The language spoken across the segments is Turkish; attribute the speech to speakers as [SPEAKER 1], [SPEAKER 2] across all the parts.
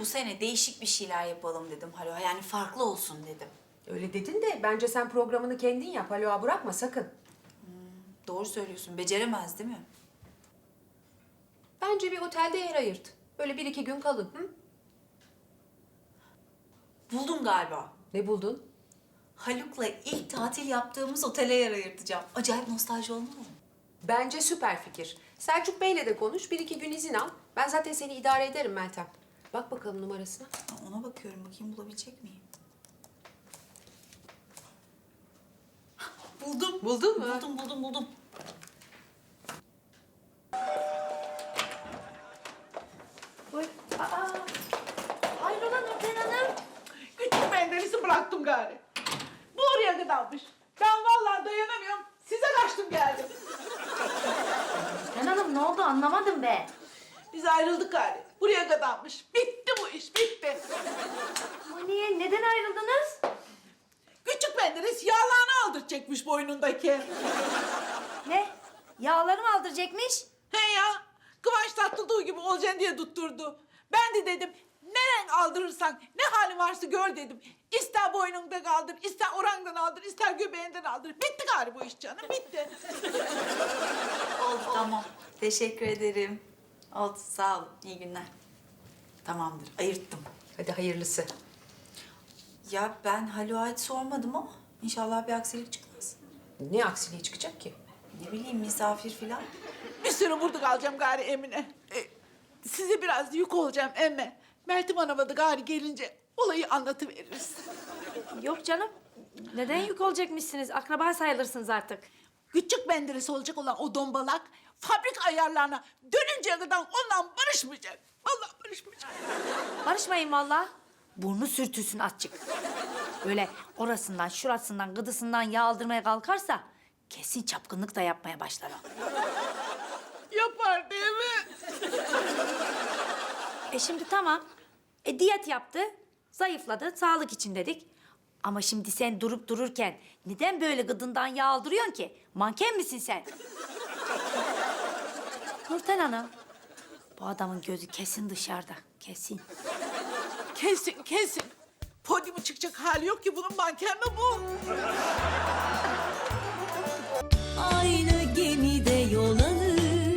[SPEAKER 1] bu sene değişik bir şeyler yapalım dedim Halo. Yani farklı olsun dedim.
[SPEAKER 2] Öyle dedin de bence sen programını kendin yap. Aloha bırakma sakın.
[SPEAKER 1] Doğru söylüyorsun. Beceremez değil mi?
[SPEAKER 2] Bence bir otelde yer ayırt. Böyle 1-2 gün kalın. Hı?
[SPEAKER 1] Buldum galiba.
[SPEAKER 2] Ne buldun?
[SPEAKER 1] Haluk'la ilk tatil yaptığımız otele yer ayırtacağım. Acayip nostalji olmalı mı?
[SPEAKER 2] Bence süper fikir. Selçuk Bey'le de konuş. 1-2 gün izin al. Ben zaten seni idare ederim Meltem. Bak bakalım numarasına.
[SPEAKER 1] Ona bakıyorum. Bakayım bulabilecek miyim? Buldum.
[SPEAKER 2] Buldun mu?
[SPEAKER 1] Buldum.
[SPEAKER 3] Buyur. Aa, hayrola Nurten Hanım?
[SPEAKER 4] Küçük Menderes'i bıraktım gari. Bu oraya kadarmış. Ben vallahi dayanamıyorum. Size kaçtım geldim.
[SPEAKER 3] Nurten Hanım ne oldu anlamadım be.
[SPEAKER 4] Biz ayrıldık gari. Buraya kadarmış. Bitti bu iş, bitti.
[SPEAKER 3] Ama niye? Neden ayrıldınız?
[SPEAKER 4] Küçük Menderes yağlarını aldıracakmış boynundaki.
[SPEAKER 3] Ne? Yağları mı aldıracakmış?
[SPEAKER 4] He ya, Kıvanç Tatlıtuğ gibi olacaksın diye tutturdu. Ben de dedim, neren aldırırsan, ne hali varsa gör dedim. İster boynunda kaldır, ister orandan aldır, ister göbeğinden aldır. Bitti gari bu iş canım, bitti.
[SPEAKER 1] Oldu tamam. Teşekkür ederim. Oldu sağ olun. İyi günler. Tamamdır. Ayırttım.
[SPEAKER 2] Hadi hayırlısı.
[SPEAKER 1] Ya ben Haluk'a hiç sormadım ama inşallah bir aksilik çıkmaz.
[SPEAKER 2] Ne aksiliği çıkacak ki?
[SPEAKER 1] Ne bileyim misafir filan.
[SPEAKER 4] Bir süre burada kalacağım gari Emine. Size biraz yük olacağım emme. Meltem Hanım'a da gari gelince olayı anlatıveririz.
[SPEAKER 3] Yok canım. Neden yük olacakmışsınız? Akraba sayılırsınız artık.
[SPEAKER 4] Küçük Menderes olacak olan o dombalak fabrika ayarlarına dönünceye kadar ondan barışmayacak. Vallahi barışmayacak.
[SPEAKER 3] Barışmayın vallahi. Burnu sürtülsün azıcık. Böyle orasından, şurasından, gıdısından yağ aldırmaya kalkarsa kesin çapkınlık da yapmaya başlar o.
[SPEAKER 4] Yapar değil mi?
[SPEAKER 3] Şimdi tamam. Diyet yaptı, zayıfladı, sağlık için dedik. Ama şimdi sen durup dururken neden böyle gıdından yağ aldırıyorsun ki? Manken misin sen? Nurten Hanım, bu adamın gözü kesin dışarıda, kesin.
[SPEAKER 4] Kesin. Podyuma çıkacak hali yok ki bunun, manken mi bu?
[SPEAKER 5] Aynı gemide yol alır,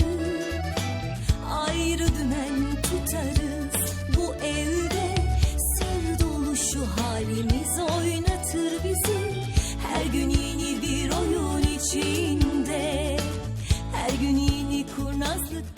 [SPEAKER 5] ayrı dümen tutarız. Bu evde sır dolu şu halimiz oynatır bizi. Her gün yeni bir oyun içinde, her gün yeni kurnazlık.